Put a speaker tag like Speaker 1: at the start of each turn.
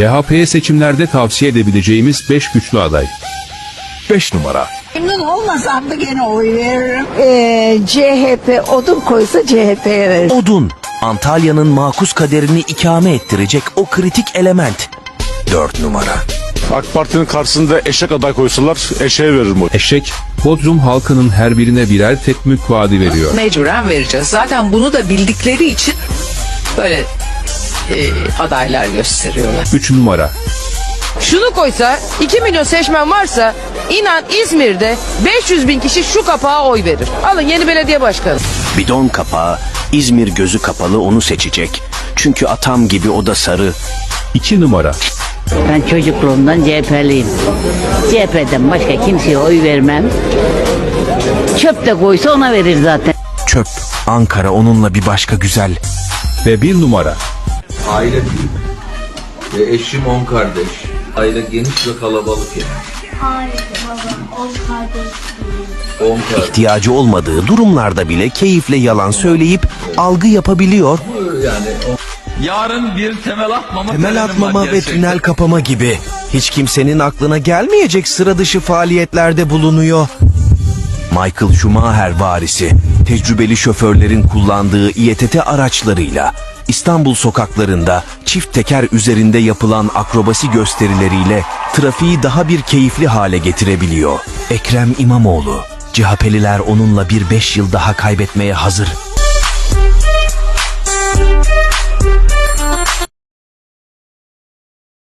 Speaker 1: CHP'ye seçimlerde tavsiye edebileceğimiz 5 güçlü aday.
Speaker 2: 5 numara.
Speaker 3: Memnun olmasam da gene oy veririm.
Speaker 4: CHP odun koysa CHP'ye verir.
Speaker 2: Odun. Antalya'nın makus kaderini ikame ettirecek o kritik element. 4 numara.
Speaker 5: AK Parti'nin karşısında eşek aday koysalar eşeğe veririm oy.
Speaker 1: Eşek, Bodrum halkının her birine birer tek mülk vaadi veriyor.
Speaker 6: Mecburen vereceğiz. Zaten bunu da bildikleri için böyle adaylar gösteriyorlar.
Speaker 1: 3 numara.
Speaker 7: Şunu koysa 2 milyon seçmen varsa inan İzmir'de 500 bin kişi şu kapağa oy verir. Alın yeni belediye başkanı.
Speaker 2: Bidon kapağı, İzmir gözü kapalı onu seçecek. Çünkü atam gibi o da sarı.
Speaker 1: 2 numara.
Speaker 8: Ben çocukluğumdan CHP'liyim. CHP'den başka kimseye oy vermem. Çöp de koysa ona verir zaten.
Speaker 2: Çöp. Ankara onunla bir başka güzel.
Speaker 1: Ve 1 numara.
Speaker 9: Aile büyük. Ve eşim 10 kardeş. Aile geniş ve kalabalık yani.
Speaker 10: Hayır baba, 10 kardeş.
Speaker 9: 10 kardeş.
Speaker 2: İhtiyacı olmadığı durumlarda bile keyifle yalan söyleyip algı yapabiliyor.
Speaker 9: Yani yarın bir temel atmama,
Speaker 2: Temel atmama ve tünel kapama gibi. Hiç kimsenin aklına gelmeyecek sıra dışı faaliyetlerde bulunuyor. Michael Schumacher varisi, tecrübeli şoförlerin kullandığı İETT araçlarıyla İstanbul sokaklarında çift teker üzerinde yapılan akrobasi gösterileriyle trafiği daha bir keyifli hale getirebiliyor. Ekrem İmamoğlu, CHP'liler onunla bir 5 yıl daha kaybetmeye hazır.